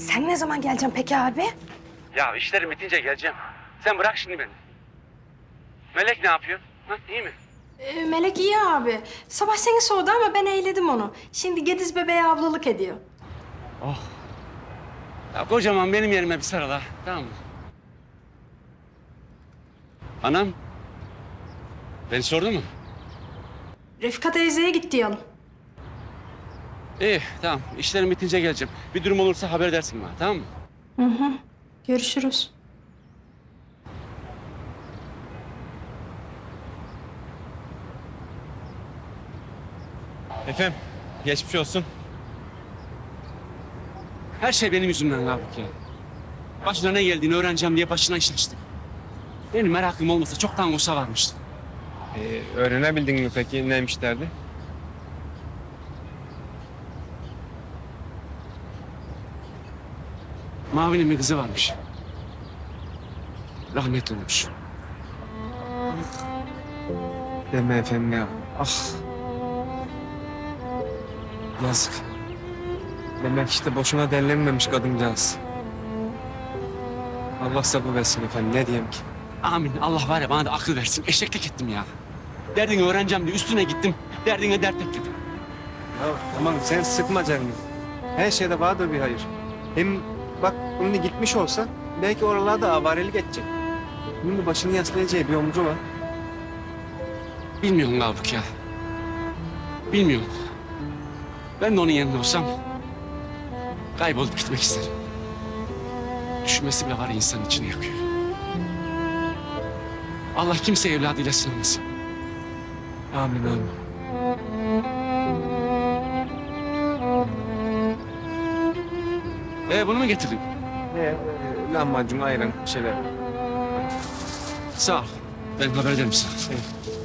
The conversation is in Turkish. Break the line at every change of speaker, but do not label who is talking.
Sen ne zaman geleceksin peki abi?
Ya işlerim bitince geleceğim. Sen bırak şimdi beni. Melek ne yapıyor? Ha, iyi mi?
Melek iyi abi. Sabah seni sordu ama ben eğledim onu. Şimdi Gediz bebeğe ablalık ediyor.
Ya kocaman benim yerime bir sarıl ha. Tamam mı? Anam. Beni sordu mu?
Refika teyzeye git diyelim.
İyi tamam. İşlerim bitince geleceğim. Bir durum olursa haber edersin bana, tamam mı?
Hı hı. Görüşürüz.
Efendim, geçmiş olsun.
Her şey benim yüzümden Gafik ya. Başına ne geldiğini öğreneceğim diye başına iş açtım. Benim merakım olmasa çoktan olsa varmıştı.
Öğrenebildin mi peki neymiş derdi?
Mavi'nin bir kızı varmış. Rahmetli olmuş.
Deme efendim ya. Ah. Yazık. Demek işte boşuna derlenmemiş kadıncağız. Allah sabır versin efendim, ne diyeyim ki?
Amin. Allah var ya bana da akıl versin. Eşeklik ettim ya. Derdini öğreneceğim diye üstüne gittim. Derdine dert ekledim.
Ya tamam, sen sıkma canını. Her şeyde vardır bir hayır. Hem bak şimdi gitmiş olsa belki oralarda avarelik edecek. Bunun başını yaslayacağı bir omcu var.
Bilmiyorum Gafik ya. Bilmiyorum. Ben de onun yerinde olsam kaybolup gitmek isterim. Düşünmesi bile var ya insanın içini yakıyor. Allah kimse evladıyla sınamasın.
Amin amin.
Bunu mu getirdin?
Lahmacun, ayran bir şeyler.
Sağ ol. Ben haber ederim sana.
Evet.